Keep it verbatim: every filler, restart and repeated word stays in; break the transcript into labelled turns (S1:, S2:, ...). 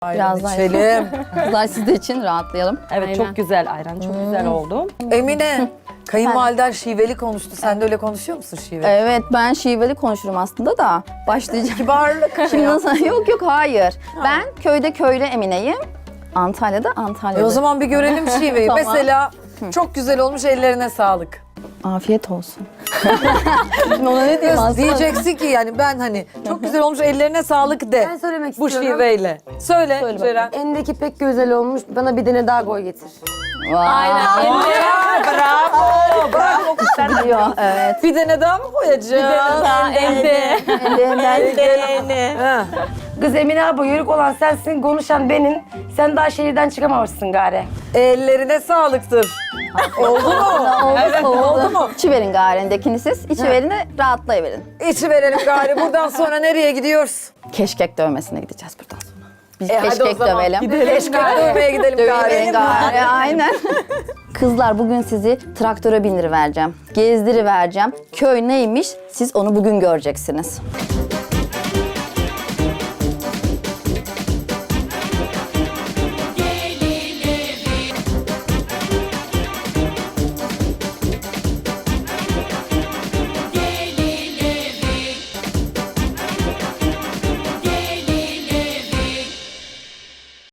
S1: Ayran
S2: Birazdan
S1: içelim.
S2: Kızlar siz de için rahatlayalım.
S3: Evet
S4: Aynen.
S3: çok güzel ayran, çok güzel oldu.
S1: Emine, kayınvaliden şiveli konuştu. Sen de öyle konuşuyor musun şiveli?
S2: Evet ben şiveli konuşurum aslında da başlayacağım.
S1: Kibarlık.
S2: Şimdi nasıl? Yok yok hayır. Ben köyde köylü Emine'yim. Antalya'da
S1: E
S2: Antalya'da.
S1: o zaman bir görelim şiveyi.
S2: Tamam.
S1: Mesela çok güzel olmuş, ellerine sağlık.
S2: Afiyet olsun. Şimdi ona ne diyeyim aslında?
S1: Diyeceksin ki yani ben hani çok güzel olmuş, ellerine sağlık de.
S4: Ben söylemek
S1: Bu
S4: istiyorum.
S1: şiveyle. Söyle,
S2: Söyle
S1: Ceren.
S4: Endeki pek güzel olmuş. Bana bir tane daha koy getir.
S2: Aynen.
S1: Bravo, bravo.
S2: Biliyor, evet.
S1: Bir tane daha mı koyacağım?
S3: Elde.
S2: Elinden
S1: Ha.
S4: Kız Emine abla yörük olan sensin, konuşan benim. Sen daha şehirden çıkamamışsın gari.
S1: Ellerine sağlıktır. Oldu mu?
S2: oldu, oldu.
S1: Oldu mu?
S2: İçi verin garendekini siz. İçi verin de rahatlayıverin.
S1: İçi verelim gari. Buradan sonra nereye gidiyoruz?
S2: Keşkek dövmesine gideceğiz buradan sonra. Biz
S1: E, hadi o
S2: keşkek
S1: zaman
S2: dövelim.
S1: Keşkek dövmeye gidelim
S2: Dövelim
S1: gari.
S2: gari, aynen. Kızlar bugün sizi traktöre bindirivereceğim. Gezdirivereceğim. Köy neymiş siz onu bugün göreceksiniz.